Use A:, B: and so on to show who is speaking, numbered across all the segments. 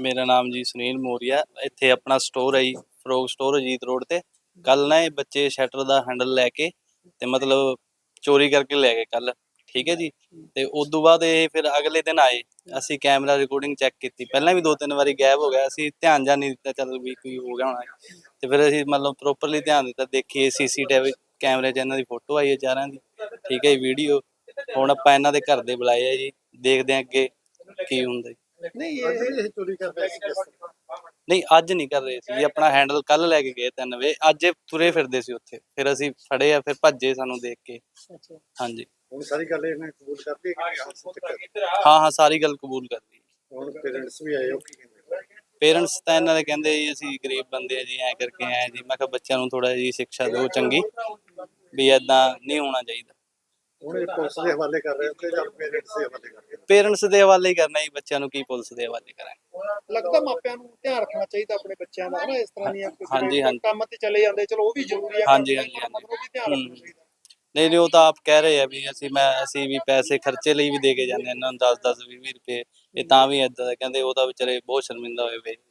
A: ਮੇਰਾ ਨਾਮ ਜੀ ਸੁਨੀਲ ਮੋਰੀਆ। ਇੱਥੇ ਆਪਣਾ ਸਟੋਰ ਹੈ ਜੀ, ਫਰੋਗ ਸਟੋਰ ਅਜੀਤ ਰੋਡ ਤੇ। ਕੱਲ ਨਾ ਇਹ ਬੱਚੇ ਸ਼ਟਰ ਦਾ ਹੈਂਡਲ ਲੈ ਕੇ ਤੇ ਮਤਲਬ ਚੋਰੀ ਕਰਕੇ ਲੈ ਗਏ ਕੱਲ, ਠੀਕ ਹੈ ਜੀ। ਤੇ ਉਦੋਂ ਬਾਅਦ ਇਹ ਫਿਰ ਅਗਲੇ ਦਿਨ ਆਏ, ਅਸੀਂ ਕੈਮਰਾ ਰਿਕਾਰਡਿੰਗ ਚੈੱਕ ਕੀਤੀ। ਪਹਿਲਾਂ ਵੀ 2-3 ਵਾਰੀ ਗਾਇਬ ਹੋ ਗਿਆ, ਅਸੀਂ ਧਿਆਨ ਜਾਂ ਨਹੀਂ ਦਿੱਤਾ, ਚੱਲ ਵੀ ਕੋਈ ਹੋ ਗਿਆ ਹੋਣਾ। ਤੇ ਫਿਰ ਅਸੀਂ ਮਤਲਬ ਪ੍ਰੋਪਰਲੀ ਧਿਆਨ ਦਿੱਤਾ, ਦੇਖੀਏ ਸੀਸੀਟੀਵੀ ਕੈਮਰੇ 'ਚ ਇਹਨਾਂ ਦੀ ਫੋਟੋ ਆਈ ਹੈ ਚਾਰਾਂ ਦੀ, ਠੀਕ ਹੈ ਜੀ, ਵੀਡੀਓ। ਹੁਣ ਆਪਾਂ ਇਹਨਾਂ ਦੇ ਘਰ ਦੇ ਬੁਲਾਏ ਆ ਜੀ, ਦੇਖਦੇ ਹਾਂ ਅੱਗੇ ਕੀ ਹੁੰਦਾ ਜੀ।
B: ਨਹੀਂ ਇਹ ਚੋਰੀ ਕਰਦੇ ਸੀ ਕਿਸ ਤਰ੍ਹਾਂ?
A: ਨਹੀਂ ਅੱਜ ਨਹੀਂ ਕਰ ਰਹੇ ਸੀ ਜੀ, ਆਪਣਾ ਹੈਂਡਲ ਕੱਲ ਲੈ ਕੇ ਗਏ 3 ਵਜੇ, ਅੱਜ ਇਹ ਤੁਰੇ ਫਿਰਦੇ ਸੀ ਉੱਥੇ, ਫਿਰ ਅਸੀਂ ਫੜੇ ਆ, ਫਿਰ ਭੱਜੇ ਸਾਨੂੰ ਦੇਖ ਕੇ।
B: ਅੱਛਾ,
A: ਹਾਂਜੀ
B: ਹੁਣ ਸਾਰੀ ਗੱਲ ਇਹਨੇ ਕਬੂਲ ਕਰਤੀ ਕਿ ਹਾਂ
A: ਹਾਂ ਹਾਂ, ਸਾਰੀ ਗੱਲ ਕਬੂਲ ਕਰ ਲਈ।
B: ਹੁਣ ਪੇਰੈਂਟਸ ਵੀ ਆਏ ਹੋ ਕੀ ਕਹਿੰਦੇ?
A: ਪੇਰੈਂਟਸ ਤਾਂ ਇਹਨਾਂ ਦੇ ਕਹਿੰਦੇ ਜੀ ਅਸੀਂ ਗਰੀਬ ਬੰਦੇ ਆ ਜੀ, ਐਂ ਕਰਕੇ ਆਏ ਜੀ। ਮੈਂ ਕਿਹਾ ਬੱਚਿਆਂ ਨੂੰ ਥੋੜਾ ਜਿਹੀ ਸਿੱਖਿਆ ਦਿਓ ਚੰਗੀ, ਵੀ ਏਦਾਂ ਨਹੀਂ ਹੋਣਾ ਚਾਹੀਦਾ।
B: ਹੁਣ ਇਹ ਪੁਲਿਸ ਦੇ ਹਵਾਲੇ ਕਰ ਰਹੇ ਹੋ ਕਿ ਜਾਂ ਪੇਰੈਂਟਸ ਦੇ ਹਵਾਲੇ ਕਰ ਰਹੇ
A: ਪੇਰੈਂਟਸ ਦੇ ਹਵਾਲੇ ਹੀ ਕਰਨਾ ਜੀ, ਬੱਚਿਆਂ ਨੂੰ ਕੀ ਪੁਲਿਸ ਦੇ ਹਵਾਲੇ ਕਰਾਂਗੇ।
B: ਹੋ? ਲੱਗਦਾ ਮਾਪਿਆਂ ਨੂੰ ਧਿਆਨ ਰੱਖਣਾ ਚਾਹੀਦਾ ਆਪਣੇ ਬੱਚਿਆਂ ਦਾ, ਹਨਾ? ਇਸ ਤਰ੍ਹਾਂ ਦੀਆਂ
A: ਹਾਂਜੀ, ਹਾਂਜੀ।
B: ਕੰਮ ਤੇ ਚਲੇ ਜਾਂਦੇ, ਚਲੋ ਉਹ ਵੀ ਜ਼ਰੂਰੀ ਆ,
A: ਹਾਂਜੀ, ਹਾਂਜੀ, ਹਾਂਜੀ।
B: ਮਤਲਬ ਉਹ ਵੀ ਧਿਆਨ ਰੱਖਣਾ ਚਾਹੀਦਾ।
A: ਨਹੀਂ ਨਹੀਂ, ਉਹ ਤਾਂ ਆਪ ਕਹਿ ਰਹੇ ਆ ਵੀ ਅਸੀਂ ਵੀ ਪੈਸੇ ਖਰਚੇ ਲਈ ਵੀ ਦੇ ਕੇ ਜਾਂਦੇ ਇਹਨਾਂ ਨੂੰ 10-10 20 ਰੁਪਏ। ਇਹ ਤਾਂ ਵੀ ਏਦਾਂ ਦਾ ਕਹਿੰਦੇ, ਉਹ ਤਾਂ ਵਿਚਾਰੇ ਬਹੁਤ ਸ਼ਰਮਿੰਦਾ ਹੋਏ ਵੇ।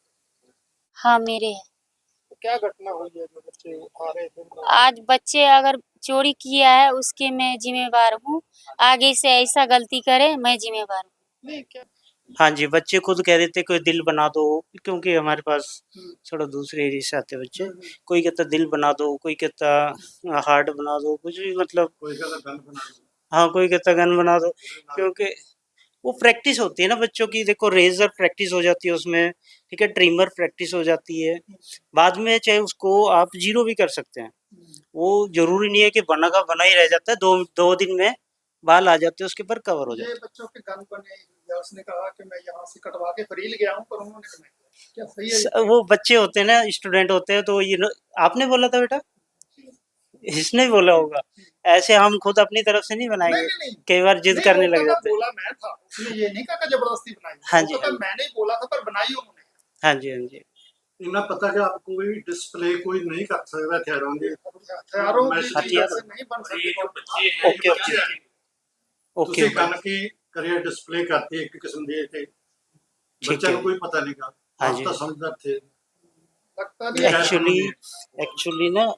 C: हाँ मेरे है।
B: तो क्या घटना हुई है जो बच्चे आ रहे थे?
C: आज बच्चे अगर चोरी किया है उसके मैं जिम्मेवार हूँ। आगे से ऐसा गलती करे मैं जिम्मेवार हूँ।
B: नहीं क्या?
D: हाँ जी, बच्चे खुद कह देते कोई दिल बना दो, क्योंकि हमारे पास थोड़ा दूसरे एरिया से आते बच्चे। कोई कहता दिल बना दो, कोई कहता हार्ट बना दो, कुछ भी मतलब।
B: कोई कहता गन बना दो।
D: हाँ, कोई कहता गन बना दो, क्योंकि वो प्रैक्टिस होती है ना बच्चों की। देखो रेजर प्रैक्टिस हो जाती है उसमें, ठीक है, ट्रिमर प्रैक्टिस हो जाती है। बाद में चाहे उसको आप जीरो भी कर सकते हैं, वो जरूरी नहीं है कि बना का बना ही रह जाता है। दो दिन में बाल आ जाते हैं उसके ऊपर, कवर हो जाते
B: ये बच्चों के गन बने या उसने कहा कि मैं यहाँ से कटवा के फरील गया हूँ, पर उन्होंने नहीं किया। क्या सही है?
D: हैं। वो बच्चे होते हैं ना, स्टूडेंट होते हैं, तो ये आपने बोला था बेटा, इसने ही बोला होगा। ऐसे हम खुद अपनी तरफ से नहीं बनाएंगे,
B: नहीं।
D: कई बार जिद करने लग जाते हैं।
B: बोला मैं था, उसने ये नहीं कहा कि जबरदस्ती बनाई।
D: हाँ जी,
B: तो
D: हाँ जी।
B: मैंने ही बोला था, पर बनाई उन्होंने।
D: हाँ जी, हाँ जी।
E: इन्हें पता कि आप कोई डिस्प्ले कोई नहीं कर सकता हथियारों की।
B: हथियारों की
D: हथियार
B: से नहीं बन सकते।
D: ओके ओके ओके
E: ਤੁਸੀਂ ਗਨ ਕੀ ਕਰੀਅਰ ਡਿਸਪਲੇ ਕਰਤੀ ਇੱਕ ਕਿਸਮ ਦੀ ਤੇ ਬੱਚਿਆਂ ਨੂੰ ਕੋਈ ਪਤਾ ਨਹੀਂਗਾ।
D: ਹਾਂਜੀ।
E: ਆਪ ਤਾਂ ਸਮਝਦਾਰ थे।
B: लगता नहीं है।
D: एक्चुअली ना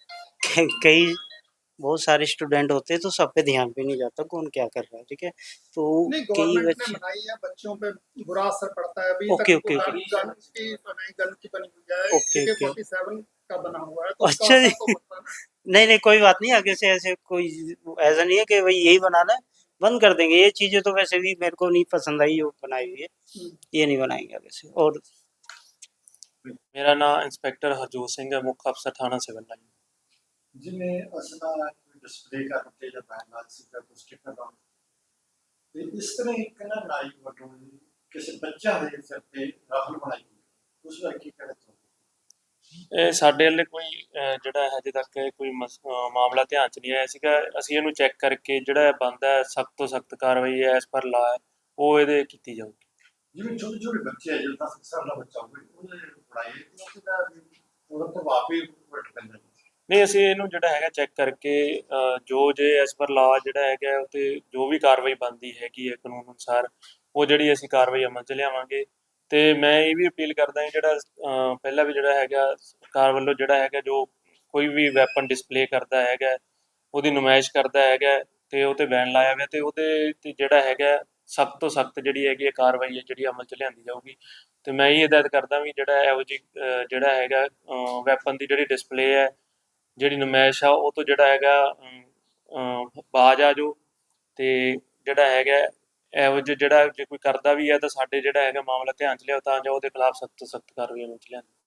D: कई बहुत सारे स्टूडेंट होते हैं, तो सब पे ध्यान भी नहीं जाता कौन क्या कर रहा है, ठीक है। तो
B: नहीं,
D: कई
B: गवर्नमेंट ने
D: बच्चे
B: बनाई है, बच्चों पे बुरा असर पड़ता है। अभी
D: ओके,
B: तक
D: ओके,
B: गन
D: ओके।
B: गन की बनी हुई है,
D: ओके, ओके।
B: AK-47 का बना हुआ है, तो उसका
D: अच्छा जी।
B: असर तो पड़ता है ना।
D: नहीं नहीं, कोई बात नहीं, आगे से ऐसे कोई ऐसा नहीं है कि भाई यही बनाना है, बंद कर देंगे। ये चीजें तो वैसे भी मेरे को नहीं पसंद आई जो बनाई हुई है, ये नहीं बनाएंगे आगे से। और
F: मेरा नाम इंस्पेक्टर हरजोत सिंह है, मुख्य अफसर थाना सिविल लाइन।
E: जिन्हें असला डिस्प्ले करते ਜਾਂ ਬੈਨਰ ਸੀ ਜਾਂ ਕੁਝ ਸਟicker ਦਾ ਤੇ ਇਸ ਤਰ੍ਹਾਂ ਇੱਕ ਨਾ ਨਾਈ ਵੱਲੋਂ ਕਿਸੇ ਬੱਚਾ ਦੇ ਸਿਰ ਤੇ ਰਾਹਲ ਬਣਾਈ ਉਸ ਵਾਰ ਕੀ ਕਰੇ ਤੋ
F: ਇਹ ਸਾਡੇ ਵੱਲੇ ਕੋਈ ਜਿਹੜਾ ਹਜੇ ਤੱਕ ਕੋਈ ਮਾਮਲਾ ਧਿਆਨ ਚ ਨਹੀਂ ਆਇਆ ਸੀਗਾ। ਅਸੀਂ ਇਹਨੂੰ ਚੈੱਕ ਕਰਕੇ ਜਿਹੜਾ ਬਣਦਾ ਸਖਤ ਤੋਂ ਸਖਤ ਕਾਰਵਾਈ ਐਸ ਪਰ ਲਾ ਉਹ ਇਹਦੇ ਕੀਤੀ ਜਾਊਗੀ।
E: ਜਿਵੇਂ ਛੋਟੇ ਛੋਟੇ ਬੱਚੇ ਆ ਜਿਹੜਾ 10 ਸਾਲ ਦਾ ਬੱਚਾ ਹੋਵੇ ਉਹਨੇ ਬਣਾਈ ਉਹਦਾ ਉਹਦਾ ਪ੍ਰਭਾਵ ਵੀ ਘਟ ਪੈਂਦਾ।
F: ਨਹੀਂ, ਅਸੀਂ ਇਹਨੂੰ ਜਿਹੜਾ ਹੈਗਾ ਚੈੱਕ ਕਰਕੇ ਜੋ ਜੇ ਐਸ ਪਰ ਲਾ ਜਿਹੜਾ ਹੈਗਾ ਉਹ 'ਤੇ ਜੋ ਵੀ ਕਾਰਵਾਈ ਬਣਦੀ ਹੈਗੀ ਹੈ ਕਾਨੂੰਨ ਅਨੁਸਾਰ, ਉਹ ਜਿਹੜੀ ਅਸੀਂ ਕਾਰਵਾਈ ਅਮਲ 'ਚ ਲਿਆਵਾਂਗੇ। ਅਤੇ ਮੈਂ ਇਹ ਵੀ ਅਪੀਲ ਕਰਦਾ ਜਿਹੜਾ ਪਹਿਲਾਂ ਵੀ ਜਿਹੜਾ ਹੈਗਾ ਸਰਕਾਰ ਵੱਲੋਂ ਜਿਹੜਾ ਹੈਗਾ ਜੋ ਕੋਈ ਵੀ ਵੈਪਨ ਡਿਸਪਲੇ ਕਰਦਾ ਹੈਗਾ, ਉਹਦੀ ਨੁਮਾਇਸ਼ ਕਰਦਾ ਹੈਗਾ ਅਤੇ ਉਹ 'ਤੇ ਬੈਨ ਲਾਇਆ ਗਿਆ ਅਤੇ ਉਹਦੇ 'ਤੇ ਜਿਹੜਾ ਹੈਗਾ ਸਖਤ ਤੋਂ ਸਖਤ ਜਿਹੜੀ ਹੈਗੀ ਕਾਰਵਾਈ ਹੈ ਜਿਹੜੀ ਅਮਲ 'ਚ ਲਿਆਂਦੀ ਜਾਊਗੀ। ਅਤੇ ਮੈਂ ਇਹ ਹਦਾਇਤ ਕਰਦਾ ਵੀ ਜਿਹੜਾ ਇਹੋ ਜਿਹੀ ਜਿਹੜਾ ਹੈਗਾ ਵੈਪਨ ਦੀ ਜਿਹੜੀ ਡਿਸਪਲੇ ਹੈ, ਜਿਹੜੀ ਨੁਮਾਇਸ਼ ਆ ਉਹ ਤੋਂ ਜਿਹੜਾ ਹੈਗਾ ਬਾਜ਼ ਆ ਜਾਓ। ਅਤੇ ਜਿਹੜਾ ਹੈਗਾ ਇਹੋ ਜਿਹਾ ਜਿਹੜਾ ਜੇ ਕੋਈ ਕਰਦਾ ਵੀ ਹੈ ਤਾਂ ਸਾਡੇ ਜਿਹੜਾ ਹੈਗਾ ਮਾਮਲਾ ਧਿਆਨ 'ਚ ਲਿਆਓ ਤਾਂ ਜੋ ਉਹਦੇ ਖਿਲਾਫ ਸਖਤ ਤੋਂ ਸਖਤ ਕਾਰਵਾਈ ਅਮਲ 'ਚ ਲਿਆਂਦੀ।